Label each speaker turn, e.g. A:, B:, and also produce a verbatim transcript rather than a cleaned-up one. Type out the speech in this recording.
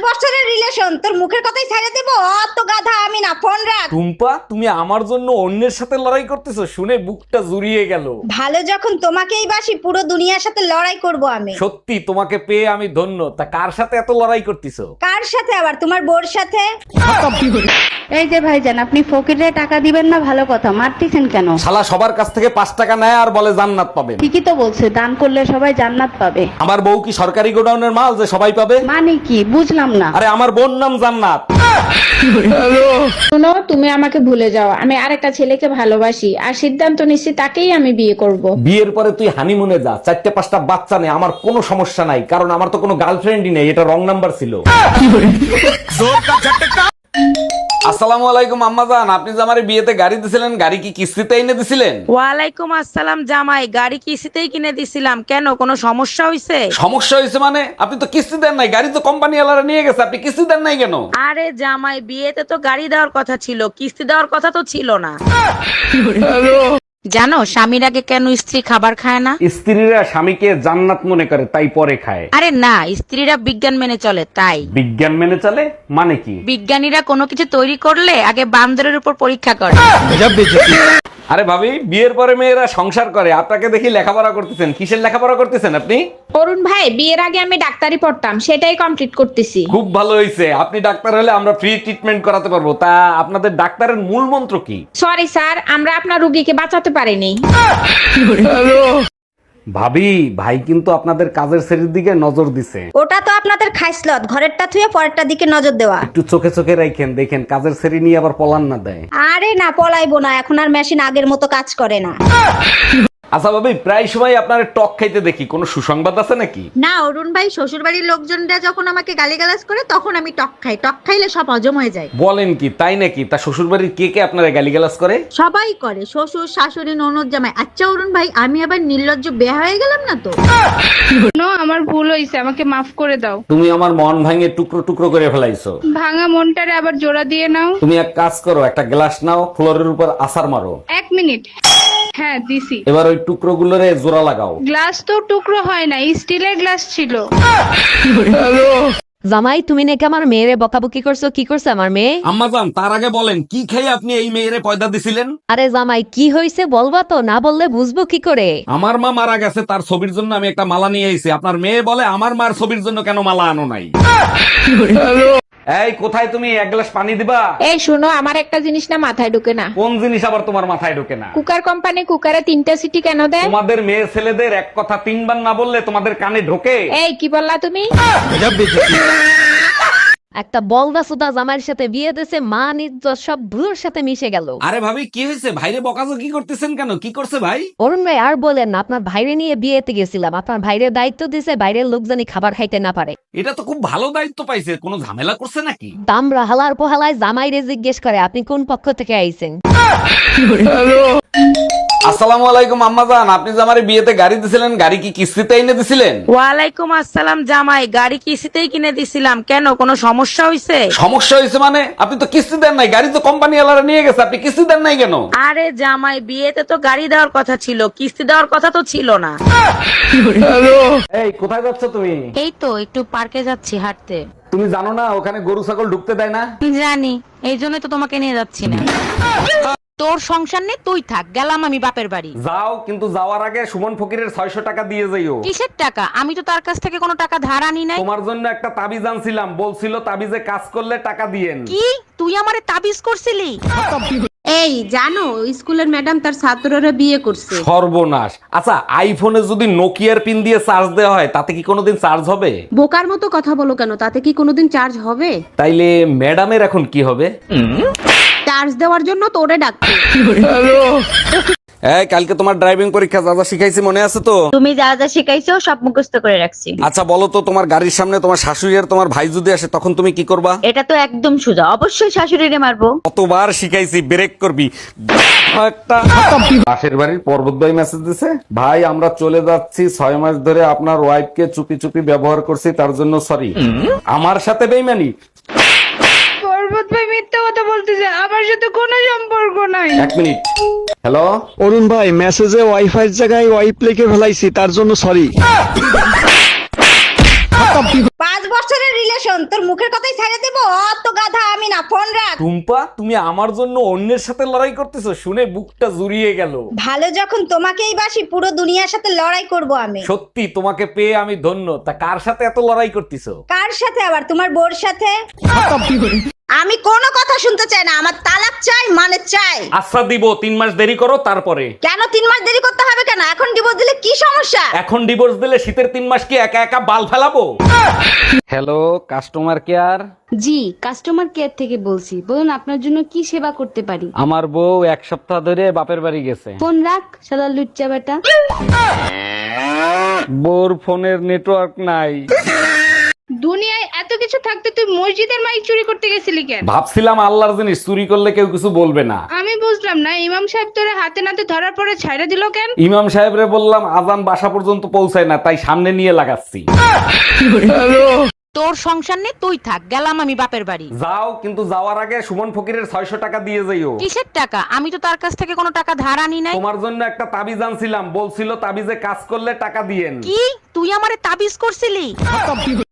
A: বছরের রিলেশন, তোর মুখের কথাই ছেড়ে দেব? অত গাধা আমি না, ফোন রাখ।
B: টুম্পা, তুমি আমার জন্য অন্যের সাথে লড়াই করতেছো শুনে বুকটা জুড়িয়ে গেল।
A: ভালো যখন তোমাকেই বাসি, পুরো দুনিয়ার সাথে লড়াই করব আমি।
B: সত্যি তোমাকে পেয়ে আমি ধন্য। তা কার সাথে এত লড়াই করতেছো?
A: কার সাথে আবার? তোমার বোর সাথে।
C: এই যে ভাইজান, আপনি ফকিরে টাকা দিবেন না, ভালো কথা, মারতেছেন কেন?
B: শালা সবার কাছ থেকে পাঁচ টাকা নেয় আর বলে জান্নাত পাবেন।
C: ঠিকই তো বলছে, দান করলে সবাই জান্নাত পাবে।
B: আমার বউ কি সরকারি গোডাউনের মাল যে সবাই পাবে?
C: মানে কি বুঝলাম না।
B: আরে আমার বোন নাম জান্নাত।
D: শোনো, তুমি আমাকে ভুলে যাও, আমি আরেকটা ছেলেকে ভালোবাসি আর সিদ্ধান্ত নিচ্ছি তাকেই আমি বিয়ে করব।
B: বিয়ের পরে তুই হানিমুনে যা, চারটে পাঁচটা বাচ্চা নেই, আমার কোনো সমস্যা নাই, কারণ আমার তো কোনো গার্লফ্রেন্ডই নেই, এটা রং নাম্বার ছিল। আসসালামু আলাইকুম আম্মাজান, আপনি যে আমার বিয়েতে গাড়ি দিছিলেন, গাড়ি কি কিস্তিতে এনে দিছিলেন?
E: ওয়ালাইকুম আসসালাম জামাই, গাড়ি কিস্তিতেই কিনে দিছিলাম। কেন, কোনো সমস্যা হয়েছে?
B: সমস্যা হয়েছে মানে? আপনি তো কিস্তি দেন নাই, গাড়ি তো কোম্পানি ওয়ালারা নিয়ে গেছে, আপনি কিস্তি দেন নাই কেন?
E: আরে জামাই, বিয়েতে তো গাড়ি দেওয়ার কথা ছিল, কিস্তি দেওয়ার কথা তো ছিল না। জানো স্বামীর আগে কেন স্ত্রী খাবার খায় না?
B: স্ত্রীরা স্বামীকে জান্নাত মনে করে তাই পরে খায়।
E: আরে না, স্ত্রীরা বিজ্ঞান মেনে চলে তাই।
B: বিজ্ঞান মেনে চলে মানে কি?
E: বিজ্ঞানীরা কোনো কিছু তৈরি করলে আগে বান্দরের উপর পরীক্ষা করে।
B: আরে ভাবি, বিয়ের পরে মেয়েরা সংসার করে, আপনাকে দেখি লেখাপড়া করতেছেন। কিসের লেখাপড়া করতেছেন আপনি?
D: অরুণ ভাই, বিয়ের আগে আমি ডাক্তারি পড়তাম, সেটাই কমপ্লিট করতেছি।
B: খুব ভালো হয়েছে, আপনি ডাক্তার হলে আমরা ফ্রি ট্রিটমেন্ট করাতে পারবো। তা আপনাদের ডাক্তারের মূল মন্ত্র কি?
D: সরি স্যার, আমরা আপনার রুগীকে বাঁচাতে পারিনি।
B: ভাবি, ভাই কিন্তু আপনাদের কাজের শ্রেণীর দিকে নজর দিছে।
A: ওটা তো আপনাদের খাইসলত, ঘরেরটা থুয়ে পরেরটার দিকে নজর দেওয়া।
B: একটু চোখে চোখে রাখেন, দেখেন কাজের শ্রেণী নিয়ে আবার পলান না দেয়।
A: আরে না, পলাইবো না, এখন আর মেশিন আগের মতো কাজ করে না।
B: আচ্ছা ভাবি, প্রায় সময় আপনার টক খাইতে দেখি, কোনো সুসংবাদ আছে নাকি?
F: না অরুণ ভাই, শ্বশুর বাড়ির লোকজনরা যখন আমাকে গালিগালাজ করে তখন আমি টক খাই। টক খাইলে সব হজম হয়ে যায়।
B: বলেন কি, তাই নাকি? তা শ্বশুর বাড়ির কে কে আপনারা গালিগালাজ করে?
F: সবাই করে, শ্বশুর শাশুড়ি ননদ জামাই। আচ্ছা অরুণ ভাই, আমি আবার নির্লজ্জ বেয়া হয়ে গেলাম না তো?
C: নো, আমার ভুল হয়েছে, আমাকে মাফ করে দাও।
B: তুমি আমার মন ভাঙে টুকরো টুকরো করে ফেলাইছো।
C: ভাঙা মনটারে আবার জোড়া দিয়ে নাও।
B: তুমি এক কাজ করো, একটা গ্লাস নাও, ফ্লোরের উপর আছাড় মারো।
C: এক মিনিট। হ্যাঁ দিছি।
B: এবার ওই টুকরো গুলোরে জোড়া লাগাও।
C: গ্লাস তো টুকরো হয় না, স্টিলের গ্লাস ছিল।
G: জামাই, তুমি নাকি আমার মেয়েরে বকাবকি করছো? কি করছে আমার মেয়ে?
B: আম্মাজান, তার আগে বলেন কি খেয়ে আপনি এই মেয়েরে পয়দা দিছিলেন?
G: আরে জামাই, কি হয়েছে বলবা তো, না বললে বুঝবো কি করে?
B: আমার মা মারা গেছে, তার ছবির জন্য আমি একটা মালা নিয়ে এসেছি। আপনার মেয়ে বলে আমার মার ছবির জন্য কেন মালা আনো নাই? এই কোথায় তুমি? এক গ্লাস পানি দিবা।
D: এই শোনো, আমার একটা জিনিস না মাথায় ঢুকে না।
B: কোন জিনিস আবার তোমার মাথায় ঢোকে না?
D: কুকার কোম্পানি কুকারে তিনটা সিটি কেন দেয়?
B: তোমাদের মেয়ে ছেলেদের এক কথা তিনবার না বললে তোমাদের কানে ঢোকে?
D: এই কি বললা তুমি?
G: একটা বলদা সুদা জামাইয়ের সাথে বিয়ে দিয়েছে, মা ইজ্জত সব ভুলোর সাথে মিশে গেল।
B: আরে ভাবি, কি হয়েছে? ভাইরে বকাজো কি করতেছেন কেন? কি করছে ভাই?
G: অরুণ ভাই, আর বলেন না, আপনার ভাইরে নিয়ে বিয়েতে গেছিলাম, আপনার ভাইরে দায়িত্ব দিয়েছে বাইরের লোক জানি খাবার খাইতে না পারে।
B: এটা তো খুব ভালো দায়িত্ব পাইছে, কোনো ঝামেলা করছে নাকি?
G: দামরা হালার পোহালায় জামাইরে জিজ্ঞেস করে আপনি কোন পক্ষ থেকে আইছেন।
B: আসসালামু আলাইকুম আম্মাজান, আপনি যে আমার বিয়েতে গাড়ি দিছিলেন, গাড়ি কি কিস্তিতে এনে দিছিলেন?
E: ওয়ালাইকুম আসসালাম জামাই, গাড়ি কিস্তিতেই কিনে দিছিলাম। কেন, কোনো সমস্যা হয়েছে?
B: সমস্যা হয়েছে মানে? আপনি তো কিস্তি দেন নাই, গাড়ি তো কোম্পানি ওয়ালারা নিয়ে গেছে, আপনি কিস্তি দেন নাই কেন?
E: আরে জামাই, বিয়েতে তো গাড়ি দেওয়ার কথা ছিল, কিস্তি দেওয়ার কথা তো ছিল না।
B: এই কোথায় যাচ্ছ তুমি?
E: এই তো একটু পার্কে যাচ্ছি হাঁটতে।
B: তুমি জানো না ওখানে গরু ছাগল ঢুকতে দেয় না?
E: জানি, এই জন্যই তো তোমাকে নিয়ে যাচ্ছি না। তোর সংসার নেই, তুই থাক, গেলাম আমি বাপের বাড়ি।
B: যাও, কিন্তু যাওয়ার আগে সুমন ফকিরের ছয়শ টাকা দিয়ে যাইও।
E: কিসের টাকা? আমি তো তার কাছ থেকে কোনো টাকা ধার আনি নাই।
B: তোমার জন্য একটা তাবিজ আনছিলাম, বলছিল তাবিজে কাজ করলে টাকা দিয়েন।
E: কি, তুই আমারে তাবিজ করছিলি?
F: এই জানো, স্কুলের ম্যাডাম তার ছাত্ররা বিয়ে করছে।
B: সর্বনাশ। আচ্ছা, আইফোনে যদি নোকিয়ার পিন দিয়ে চার্জ দেওয়া হয় তাতে কি কোনোদিন চার্জ হবে?
F: বোকার মতো কথা বলো কেন, তাতে কি কোনোদিন চার্জ হবে?
B: তাইলে ম্যাডামের এখন কি হবে?
F: চার্জ দেওয়ার জন্য তোরে ডাকছে।
B: এই কালকে তোমার ড্রাইভিং পরীক্ষা, যা যা শিখাইছি মনে আছে তো?
F: তুমি যা যা শিখাইছো সব মুখস্থ করে রাখছি।
B: আচ্ছা বলো তো, তোমার গাড়ির সামনে তোমার শাশুড়ি আর তোমার ভাই যদি আসে তখন তুমি কি করবা?
F: এটা তো একদম সোজা, অবশ্যই শাশুড়িরে মারবো।
B: কতবার শিখাইছি, ব্রেক করবি একটা। পাশের বাড়ির পর্বত ভাই মেসেজ দিছে, ভাই আমরা চলে যাচ্ছি, ছয় মাস ধরে আপনার ওয়াইফকে চুপি চুপি ব্যবহার করছি, তার জন্য সরি। আমার সাথে বেইমানি?
C: পর্বত ভাই মিথ্যা কথা বলতেছে, আমার সাথে কোনো সম্পর্ক নাই।
B: এক মিনিট। হ্যালো
H: অরুণ ভাই, মেসেজে ওয়াইফাই জায়গায় ওয়াইপ লিখে ফেলাইছি, তার জন্য সরি।
A: পাঁচ বছরের রিলেশন, তোর মুখের কথাই ছেড়ে দেবো? অত গাধা আমি না, ফোন রাখ।
B: টুম্পা, তুমি আমার জন্য অন্যের সাথে লড়াই করতেছো শুনে বুকটা জুড়িয়ে গেল।
A: ভালো যখন তোমাকেই বাসি, পুরো দুনিয়ার সাথে লড়াই করব আমি।
B: সত্যি তোমাকে পেয়ে আমি ধন্য। তা কার সাথে এত লড়াই করতেছো?
A: কার সাথে আবার? তোমার বোর সাথে। আমি কোনো কথা শুনতে চাই না, আমার তালাক চাই, মানে চাই।
B: আচ্ছা দিব, তিন মাস দেরি করো তারপরে।
A: কেন তিন মাস দেরি করতে হবে কেন? এখন ডিভোর্স দিলে কি সমস্যা?
B: এখন ডিভোর্স দিলে শীতের তিন মাস কি একা একা বাল ফেলাবো? Hello, customer care.
C: জি, কাস্টমার কেয়ার থেকে বলছি। বলুন আপনার জন্য কি সেবা করতে পারি?
B: আমার বউ এক সপ্তাহ ধরে বাপের বাড়ি গেছে।
C: ফোন রাখ, শালা লুচ্চা বেটা।
B: বউর ফোনের নেটওয়ার্ক নাই।
C: দুনিয়ায় এত কিছু থাকতে তুই মসজিদের মাইক চুরি করতে গেছিলি কেন?
B: ভাবছিলাম আল্লাহর জিনিস চুরি করলে কেউ কিছু বলবে না।
C: আমি বুঝলাম না, ইমাম সাহেব তোরে হাতে নাতে ধরার পরে ছাইড়া দিল কেন?
B: ইমাম সাহেবরে বললাম আজান বাসা পর্যন্ত পৌঁছায় না, তাই সামনে নিয়ে লাগাচ্ছি।
E: তোর সংসার নিয়ে তুই থাক, গেলাম আমি বাপের বাড়ি।
B: যাও, কিন্তু যাওয়ার আগে সুমন ফকিরের ছয়শো টাকা দিয়ে যাইও।
E: কিসের টাকা? আমি তো তার কাছ থেকে কোনো টাকা ধার আনি নাই।
B: তোমার জন্য একটা তাবিজ আনছিলাম, বলছিল তাবিজে কাজ করলে টাকা দিয়েন।
E: কি তুই আমারে তাবিজ করছিলি?